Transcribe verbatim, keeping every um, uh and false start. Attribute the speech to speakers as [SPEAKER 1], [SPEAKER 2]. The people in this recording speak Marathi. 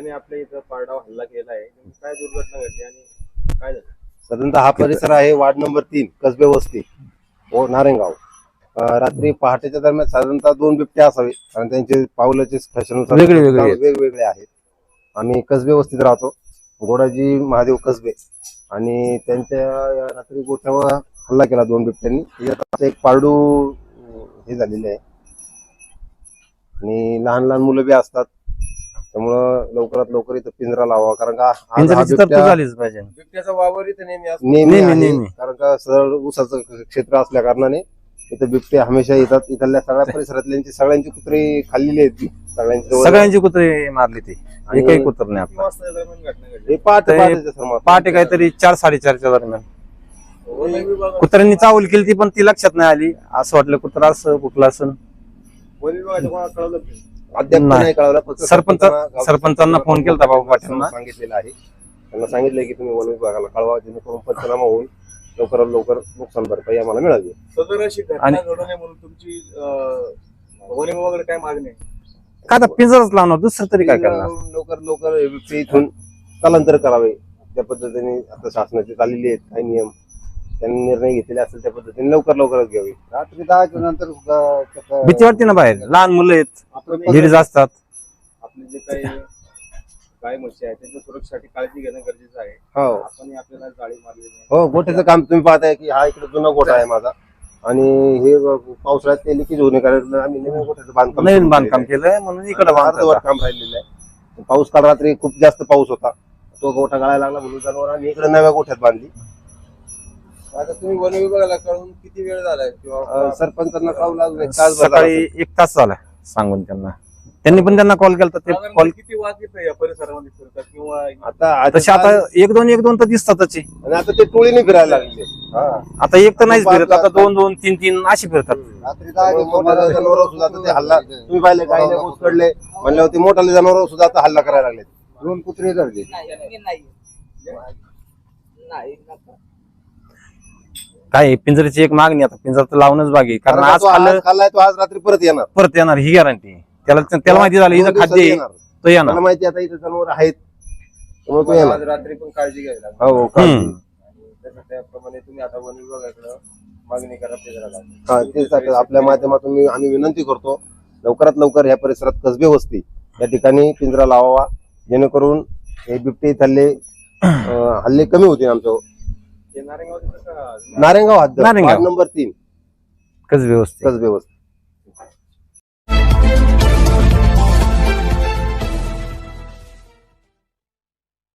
[SPEAKER 1] बिबट्याने आपल्या इथं पारडाव हल्ला केला आहे, काय दुर्घटना घडली आणि काय झालं?
[SPEAKER 2] साधारणतः हा परिसर आहे वार्ड नंबर तीन कसबे वस्ती व नारायणगाव. अं, रात्री पहाटेच्या दरम्यान साधारणतः दोन बिबटे असावे, कारण त्यांचे पावलाचे फॅशननुसार
[SPEAKER 3] वेगळे वेगळे आहेत.
[SPEAKER 2] वेगवेगळे आहेत. आम्ही कसबे वस्तीत राहतो, गोडाजी महादेव कसबे, आणि त्यांच्या या रात्री गोठ्यावर हल्ला केला दोन बिबट्यांनी. त्याच्यात एक पारडू हे झालेले आहे आणि लहान लहान मुलं बी असतात, त्यामुळं लवकरात लवकर इथं पिंजरा लावा, कारण का आज हा
[SPEAKER 3] पिंजऱ्याची तरतूद
[SPEAKER 2] बिबट्या
[SPEAKER 3] झालीच पाहिजे.
[SPEAKER 1] बिबट्याचा वावर इथं नेहमी असतो.
[SPEAKER 2] नेहमी
[SPEAKER 3] नेहमी,
[SPEAKER 2] आहे,
[SPEAKER 3] नेहमी.
[SPEAKER 2] कारण का सरळ ऊसाचं क्षेत्र असल्या कारणाने इथं बिबटे हमेशा येतात. इथल्या सगळ्या परिसरातल्यांची सगळ्यांची कुत्रे खाल्लेली आहेत ती, सगळ्यांची जवळ-
[SPEAKER 3] सगळ्यांची कुत्रे मारली ती,
[SPEAKER 2] आणि
[SPEAKER 3] एकही कुत्र नाही
[SPEAKER 1] किती
[SPEAKER 3] आपला.
[SPEAKER 1] वाजता दरम्यान घटना घडली?
[SPEAKER 2] हे पहाटे
[SPEAKER 3] ते
[SPEAKER 2] पहाटेच्या सुमारास.
[SPEAKER 3] पहाटे काहीतरी चार साडेचारच्या दरम्यान
[SPEAKER 1] वन विभाग
[SPEAKER 3] कुत्र्यांनी चावल केली ती, पण ती लक्षात नाही आली. असं वाटलं कुत्रा असं कुठलं असं.
[SPEAKER 1] वन विभागाच्या कोणाला कळवलं नाही?
[SPEAKER 2] अद्याप
[SPEAKER 3] नाही.
[SPEAKER 2] नाही कळवलं. फक्त
[SPEAKER 3] सरपंच-
[SPEAKER 2] सरपंचांना-
[SPEAKER 3] सरपंचांना फोन केलता बाबा पाटीलना.
[SPEAKER 2] सांगितलेलं आहे, त्यांना सांगितलंय की तुम्ही वन विभागाला कळवा, जेणेकरून पंचनामा होऊन लवकरात लवकर नुकसान भरपाई आम्हाला मिळावी.
[SPEAKER 1] सदर अशी घटना
[SPEAKER 3] आणि-
[SPEAKER 1] घडू नये म्हणून तुमची अं, वन विभागाकडे काय मागणी आहे?
[SPEAKER 3] का आता पिंजरच लावणार, दुसरं तरी काय करणार.
[SPEAKER 2] लवकर लवकर हे बिबटे इथून स्थलांतर करावे, त्या पद्धतीने आता शासनाचे चाललेले आहेत काही नियम, त्यांनी निर्णय घेतलेले असेल त्या पद्धतीने लवकर लवकरच घ्यावे. रात्री दहाच्या नंतर
[SPEAKER 3] भीती वाटते ना बाहेर, लहान मुलं आहेत,
[SPEAKER 1] आपण
[SPEAKER 3] लेडीज असतात.
[SPEAKER 1] आपले जे काही गाय म्हशी आहेत त्यांच्या सुरक्षेसाठी काळजी घेणं गरजेचं आहे.
[SPEAKER 2] हो
[SPEAKER 1] आपण आपल्याला जाळी मारली नाही.
[SPEAKER 2] हो गोठ्याचं काम तुम्ही पाहताय की हा इकडे जुना गोठा आहे माझा, आणि हे पावसाळ्यात ते लिकेज होणे कारण आम्ही नवीन गोठ्याचं बांधकाम
[SPEAKER 3] नवीन
[SPEAKER 2] सुरू
[SPEAKER 3] बांधकाम
[SPEAKER 2] केलेलं
[SPEAKER 3] केलंय म्हणून
[SPEAKER 2] आहे.
[SPEAKER 3] इकडे
[SPEAKER 2] अर्धवट काम राहिलेलं आहे. पाऊस काल रात्री खूप जास्त पाऊस होता, तो गोठा गळायला लागला म्हणून जनावर आम्ही इकडे नव्या गोठ्यात बांधली.
[SPEAKER 1] आता तुम्ही वन विभागाला कळून किती वेळ झालाय
[SPEAKER 2] अं,
[SPEAKER 1] किंवा
[SPEAKER 2] सरपंचांना कळवलं लागलं एक तासभर झाला
[SPEAKER 3] सकाळी
[SPEAKER 2] असेल.
[SPEAKER 3] एक तास झाला सांगून त्यांना. त्यांनी पण त्यांना कॉल केला, ते
[SPEAKER 1] साधारण
[SPEAKER 3] कॉल
[SPEAKER 1] किती वाज येतं या परिसरामध्ये फिरतात किंवा
[SPEAKER 2] आता
[SPEAKER 3] तसे आता एक दोन एक दोन तर दिसतातच.
[SPEAKER 2] आणि आता ते टोळीने फिरायला लागले. हा.
[SPEAKER 3] आता एक तर नाहीच फिरत, आता दोन दोन तीन तीन अशी फिरतात.
[SPEAKER 2] रात्री दहा मोठ्या जनावरांवर सुद्धा आता ते हल्ला तुम्ही पाहिले काही नाही कडले म्हणल्यावर ते मोठाले जनावर सुद्धा आता हल्ला करायला लागले. दोन कुत्रे धरले.
[SPEAKER 3] काय पिंजऱ्याची एक मागणी, आता पिंजरा तर लावूनच बाकी, कारण आज
[SPEAKER 2] तो
[SPEAKER 3] खाल्लं
[SPEAKER 2] आज खाल्लाय तो आज रात्री परत येणार.
[SPEAKER 3] परत येणार ही गॅरंटी. त्याला त्याला माहिती झालं
[SPEAKER 2] दोन
[SPEAKER 3] इथं
[SPEAKER 2] दिवसात
[SPEAKER 3] खाद्य आहे,
[SPEAKER 2] येणार.
[SPEAKER 3] तो येणार.
[SPEAKER 2] मला माहिती आता इथे जनावर आहेत, त्यामुळे तो
[SPEAKER 1] आज
[SPEAKER 2] येणार.
[SPEAKER 1] रात्री पण काळजी घ्यावी लागेल.
[SPEAKER 2] हो काळजी.
[SPEAKER 3] हम्म.
[SPEAKER 1] आणि तसं त्याप्रमाणे तुम्ही आता वन विभागाकडे मागणी करा पिंजराला.
[SPEAKER 2] हा तेच आता आपल्या माध्यमातून मी आम्ही विनंती करतो, लवकरात लवकर ह्या परिसरात कसबे वस्ती या ठिकाणी पिंजरा लावावा, जेणेकरून हे बिबटे हल्ले अं, हल्ले कमी होतील. आमच्या
[SPEAKER 1] ते नारायणगाव तिथं का?
[SPEAKER 2] नारायणगाव हद्द
[SPEAKER 3] नारायणगाव.
[SPEAKER 2] वार्ड नंबर तीन
[SPEAKER 3] कच व्यवस्थित
[SPEAKER 2] कसबे वस्ती.